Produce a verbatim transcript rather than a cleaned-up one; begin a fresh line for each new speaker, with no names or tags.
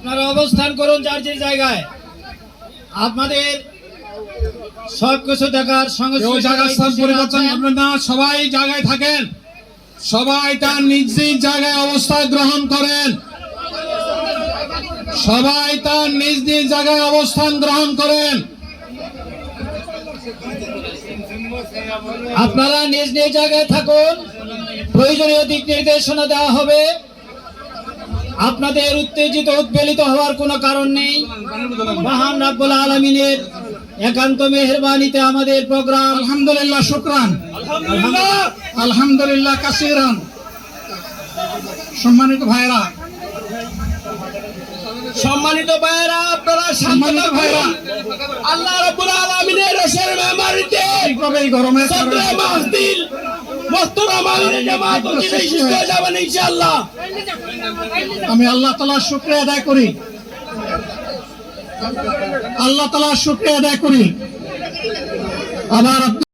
আপনারা অবস্থান করুন যার যে জায়গায়। আপনাদের সবকিছু দেখার সঙ্গে
জায়গা স্থান পরিবর্তন করবেন না, সবাই জায়গায় থাকেন, সবাই তার নিজ নিজ জায়গায় অবস্থান গ্রহণ করেন, সবাই তার নিজ নিজ জায়গায় অবস্থান গ্রহণ করেন।
আপনারা নিজ নিজ জায়গায় থাকুন, প্রয়োজনীয় দিক নির্দেশনা দেওয়া হবে। আপনাদের উত্তেজিত উদ্বেলিত হওয়ার কোনো কারণ নেই। মহান রাব্বুল আলামিনের একান্ত মেহেরবানিতে আমাদের প্রোগ্রাম
আলহামদুলিল্লাহ, শুকরান, আলহামদুলিল্লাহ কাসিরান। সম্মানিত ভাইরা,
সম্মানিত ভাইরা, আপনারা
সম্মানিত ভাইরা,
আল্লাহ রাব্বুল আলামিনের রসের মেহমানিতে
এইভাবে এই গরমে
সদরে মাহফিল মুহতারাম আমিরে জামাত অতিথি শেষ হয়ে যাবেন ইনশাআল্লাহ।
আমি আল্লাহ তাআলার শুকরিয়া আদায় করি, আল্লাহ তাআলার শুকরিয়া আদায় করি। আবার